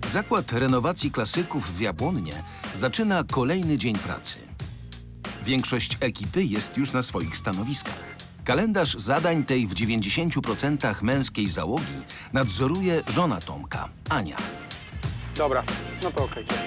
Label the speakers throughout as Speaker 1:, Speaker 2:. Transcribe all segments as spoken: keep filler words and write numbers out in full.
Speaker 1: Zakład renowacji klasyków w Jabłonnie zaczyna kolejny dzień pracy. Większość ekipy jest już na swoich stanowiskach. Kalendarz zadań tej w dziewięćdziesięciu procentach męskiej załogi nadzoruje żona Tomka, Ania.
Speaker 2: Dobra, no to okej, cześć.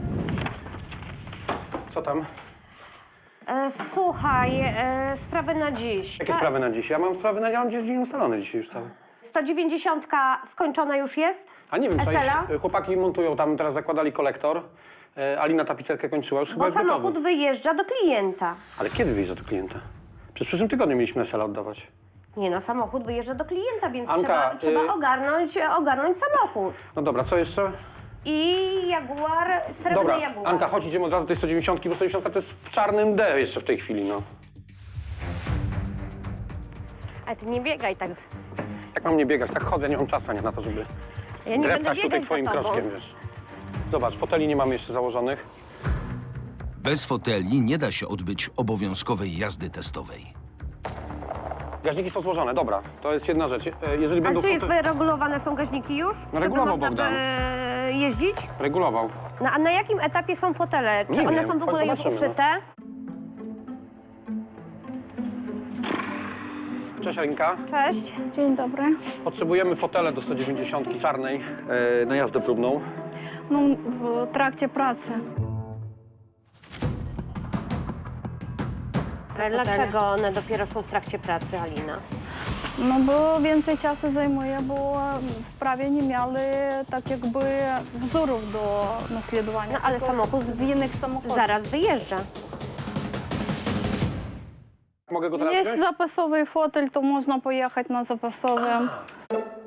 Speaker 2: Co tam?
Speaker 3: E, słuchaj, e, sprawy na dziś.
Speaker 2: Jakie
Speaker 3: Ta-
Speaker 2: sprawy na dziś? Ja mam sprawy na... Ja mam dzień ustalony dzisiaj już cały.
Speaker 3: sto dziewięćdziesiątka skończona już jest?
Speaker 2: A nie wiem, co jest.
Speaker 3: Esela?
Speaker 2: Chłopaki montują tam, teraz zakładali kolektor. E, Alina tapicerkę kończyła, już chyba
Speaker 3: Bo
Speaker 2: jest gotowy.
Speaker 3: samochód wyjeżdża do klienta.
Speaker 2: Ale kiedy wyjdzie do klienta? Przez przyszłym tygodniu mieliśmy Esela oddawać.
Speaker 3: Nie no, samochód wyjeżdża do klienta, więc
Speaker 2: Anka,
Speaker 3: trzeba, trzeba
Speaker 2: y-
Speaker 3: ogarnąć, ogarnąć samochód.
Speaker 2: No dobra, co jeszcze?
Speaker 3: I Jaguar, srebrny
Speaker 2: Dobra,
Speaker 3: Jaguar.
Speaker 2: Anka, chodź, idziemy od razu do tej sto dziewięćdziesiątki, bo sto dziewięćdziesiątka to jest w czarnym D jeszcze w tej chwili, no.
Speaker 3: Ale ty nie biegaj tak.
Speaker 2: Jak mam nie biegać? Tak chodzę, nie mam czasu Ania, na to, żeby
Speaker 3: Ja nie będę
Speaker 2: dreptać tutaj
Speaker 3: biegać
Speaker 2: twoim
Speaker 3: za tobą.
Speaker 2: kroczkiem, wiesz. Zobacz, foteli nie mamy jeszcze założonych.
Speaker 1: Bez foteli nie da się odbyć obowiązkowej jazdy testowej.
Speaker 2: Gaźniki są złożone, dobra, to jest jedna rzecz. E, Jeżeli
Speaker 3: A
Speaker 2: będą
Speaker 3: czy jest
Speaker 2: fote-
Speaker 3: wyregulowane są gaźniki już?
Speaker 2: No, regulował
Speaker 3: żeby można
Speaker 2: Bogdan.
Speaker 3: by jeździć?
Speaker 2: Regulował.
Speaker 3: No, a na jakim etapie są fotele? Czy
Speaker 2: Nie
Speaker 3: one
Speaker 2: wiem,
Speaker 3: są w
Speaker 2: chodź
Speaker 3: ogóle już
Speaker 2: zobaczymy, no.
Speaker 3: uszyte?
Speaker 2: Cześć Alinka.
Speaker 3: Cześć.
Speaker 4: Dzień dobry.
Speaker 2: Potrzebujemy fotele do sto dziewięćdziesiątki czarnej e, na jazdę próbną.
Speaker 4: No, w trakcie pracy.
Speaker 3: Ale dlaczego one dopiero są w trakcie pracy, Alina?
Speaker 4: No bo więcej czasu zajmuje, bo wprawie nie mieli tak jakby wzorów do naśladowania.
Speaker 3: No, ale
Speaker 4: tylko
Speaker 3: samochód
Speaker 4: z innych samochodów.
Speaker 3: Zaraz wyjeżdża.
Speaker 2: Mogę go teraz
Speaker 4: Jest
Speaker 2: wziąć?
Speaker 4: zapasowy fotel, to można pojechać na zapasowym.